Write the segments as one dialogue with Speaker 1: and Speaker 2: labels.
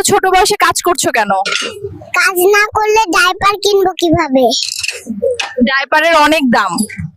Speaker 1: ছোট বয়সে কাজ করছো কেন?
Speaker 2: কাজ না করলে ডাইপার কিনবো কিভাবে?
Speaker 1: ডাইপারের অনেক দাম।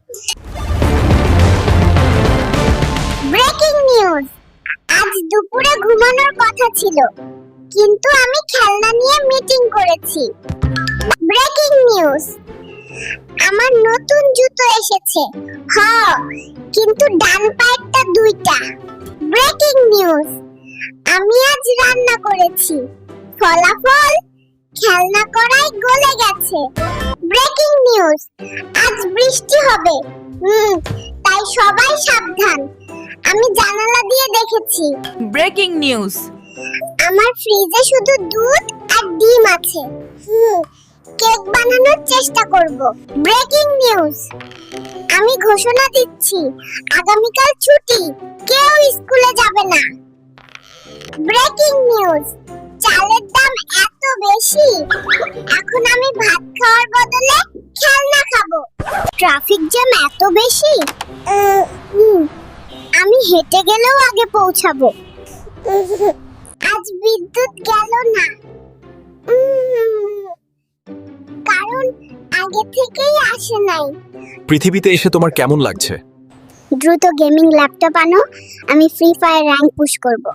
Speaker 2: ব্রেকিং নিউজ, আজ দুপুরে ঘুমানোর কথা ছিল, কিন্তু আমি খেলনা নিয়ে মিটিং করেছি। ব্রেকিং নিউজ, আমার নতুন জুতো এসেছে। কিন্তু ডান পায়েরটা দুইটা। ব্রেকিং নিউজ, আমি আজ রান্না করেছি, ফলাফল খেলনা কড়াই গলে গেছে। ব্রেকিং নিউজ, আজ বৃষ্টি হবে, তাই সবাই সাবধান। আমি জানালা দিয়ে দেখেছি।
Speaker 1: ব্রেকিং নিউজ,
Speaker 2: আমার ফ্রিজে শুধু দুধ আর ডিম আছে। কেক বানানোর চেষ্টা করব। ব্রেকিং নিউজ, আমি ঘোষণা দিচ্ছি, আগামীকাল ছুটি, কেউ স্কুলে যাবে না। ব্রেকিং নিউজ, চালের দাম এত বেশি, এখন আমি ভাত খাওয়ার বদলে খেলনা খাবো। ট্রাফিক জ্যাম এত বেশি, আমি হেঁটে গেলেও আগে পৌঁছাবো। আজ বিদ্যুৎ গেল না, কারণ আগে থেকেই আসে নাই।
Speaker 3: পৃথিবীতে এসে তোমার কেমন লাগছে?
Speaker 2: দ্রুত গেমিং ল্যাপটপ আনো, আমি ফ্রি ফায়ার র্যাঙ্ক পুশ করব।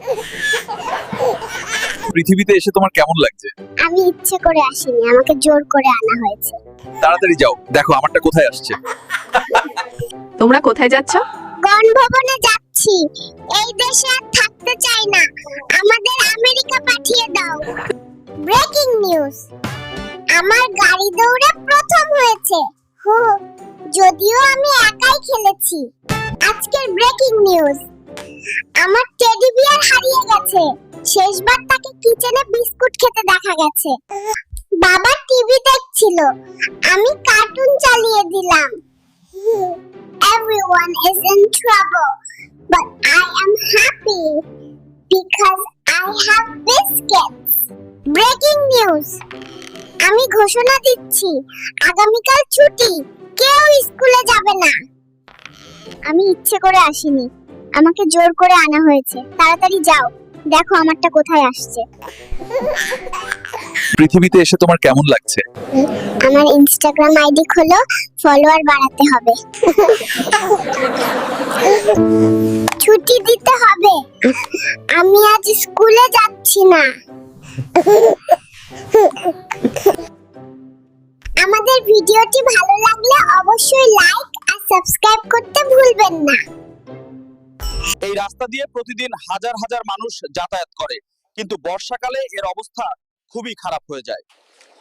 Speaker 3: পৃথিবীতে এসে তোমার কেমন লাগছে?
Speaker 2: আমি ইচ্ছে করে আসিনি, আমাকে জোর করে আনা হয়েছে।
Speaker 3: তাড়াতাড়ি যাও, দেখো আমারটা কোথায় আসছে।
Speaker 1: তোমরা কোথায় যাচ্ছ?
Speaker 2: গণভবনে যাচ্ছি, এই দেশে আর থাকতে চাই না, আমাদের আমেরিকা পাঠিয়ে দাও। ব্রেকিং নিউজ, আমার গাড়ি দৌড়ে প্রথম হয়েছে। যদিও আমি একাই খেলেছি। আজকের ব্রেকিং নিউজ, আমার টেডি বিয়ার হারিয়ে গেছে, শেষবার তাকে কিচেনে বিস্কুট খেতে দেখা গেছে। বাবা টিভি দেখছিল, আমি কার্টুন চালিয়ে দিলাম। Everyone is in trouble, but I am happy because I have biscuits. Breaking news, আমি ঘোষণা দিচ্ছি, আগামীকাল ছুটি, কেউ স্কুলে যাবে না। আমি ইচ্ছে করে আসিনি, আমাকে জোর করে আনা হয়েছে। তাড়াতাড়ি যাও, দেখো আমারটা কোথায় আসছে।
Speaker 3: পৃথিবীতে এসে তোমার কেমন লাগছে?
Speaker 2: আমার ইনস্টাগ্রাম আইডি খোলো, ফলোয়ার বাড়াতে হবে। ছুটি দিতে হবে, আমি আজ স্কুলে যাচ্ছি না। আমাদের ভিডিওটি ভালো লাগলে অবশ্যই লাইক আর সাবস্ক্রাইব করতে ভুলবেন না।
Speaker 4: এই রাস্তা দিয়ে প্রতিদিন হাজার হাজার মানুষ যাতায়াত করে, কিন্তু বর্ষাকালে এর অবস্থা খুবই খারাপ হয়ে যায়।